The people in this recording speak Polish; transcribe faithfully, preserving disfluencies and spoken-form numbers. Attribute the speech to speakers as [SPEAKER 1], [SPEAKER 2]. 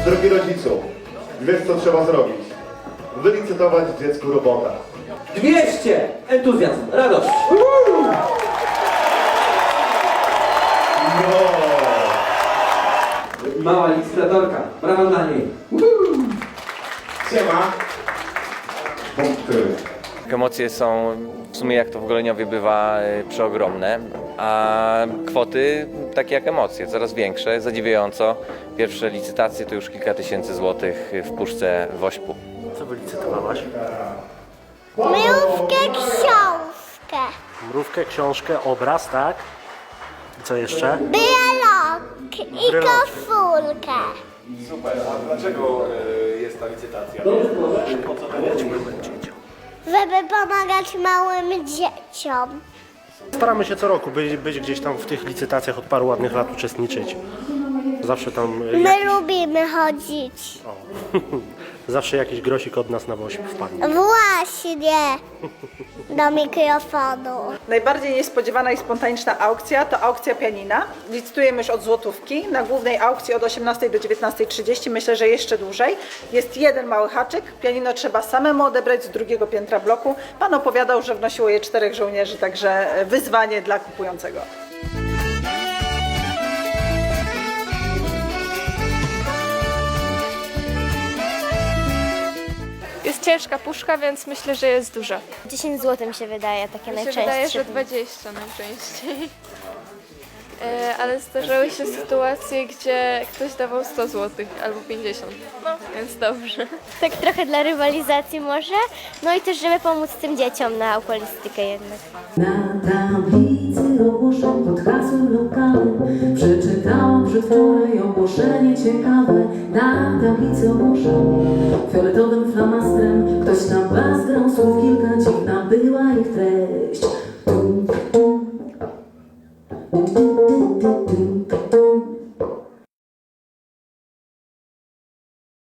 [SPEAKER 1] Drogi rodzicu, wiesz co trzeba zrobić? Wylicytować dziecku robota.
[SPEAKER 2] dwieście! Entuzjazm, radość!
[SPEAKER 1] No.
[SPEAKER 2] Mała licytatorka, brawa dla niej!
[SPEAKER 1] Siema. Punkty.
[SPEAKER 3] Emocje są w sumie, jak to w Goleniowie bywa, przeogromne, a kwoty takie jak emocje, coraz większe, zadziwiająco. Pierwsze licytacje to już kilka tysięcy złotych w puszce Wośpu.
[SPEAKER 4] Co wylicytowałaś?
[SPEAKER 5] Mrówkę, książkę.
[SPEAKER 4] Mrówkę, książkę, obraz, tak? I co jeszcze?
[SPEAKER 5] Brelok i
[SPEAKER 4] Brelok.
[SPEAKER 5] koszulkę.
[SPEAKER 6] Super, a dlaczego y, jest ta licytacja?
[SPEAKER 5] Żeby pomagać małym dzieciom.
[SPEAKER 4] Staramy się co roku być, być gdzieś tam w tych licytacjach, od paru ładnych lat uczestniczyć. Zawsze tam
[SPEAKER 5] My
[SPEAKER 4] jakiś,
[SPEAKER 5] lubimy chodzić.
[SPEAKER 4] o, zawsze jakiś grosik od nas na woźb wpadnie.
[SPEAKER 5] Właśnie do mikrofonu.
[SPEAKER 7] Najbardziej niespodziewana i spontaniczna aukcja to aukcja pianina. Licytujemy już od złotówki. Na głównej aukcji od osiemnastej do dziewiętnastej trzydzieści, myślę, że jeszcze dłużej. Jest jeden mały haczyk. Pianino trzeba samemu odebrać z drugiego piętra bloku. Pan opowiadał, że wnosiło je czterech żołnierzy, także wyzwanie dla kupującego.
[SPEAKER 8] Jest ciężka puszka, więc myślę, że jest duża.
[SPEAKER 5] dziesięć złotych mi się wydaje takie
[SPEAKER 8] Mi się wydaje, że dwadzieścia najczęściej. E, ale zdarzały się sytuacje, gdzie ktoś dawał sto złotych albo pięćdziesiąt, no więc dobrze.
[SPEAKER 5] Tak trochę dla rywalizacji może, no i też żeby pomóc tym dzieciom na okulistykę jednak.
[SPEAKER 9] Na tablicy ogłoszeń pod hasłem lokalnym przeczytałam przedwczoraj ogłoszenie ciekawe. Na tablicy ogłoszeń fioletowym flamastrem ktoś na bas grał słów kilka, dziwna była ich treść. Tum, tum, tum, tum, tum, tum, tum.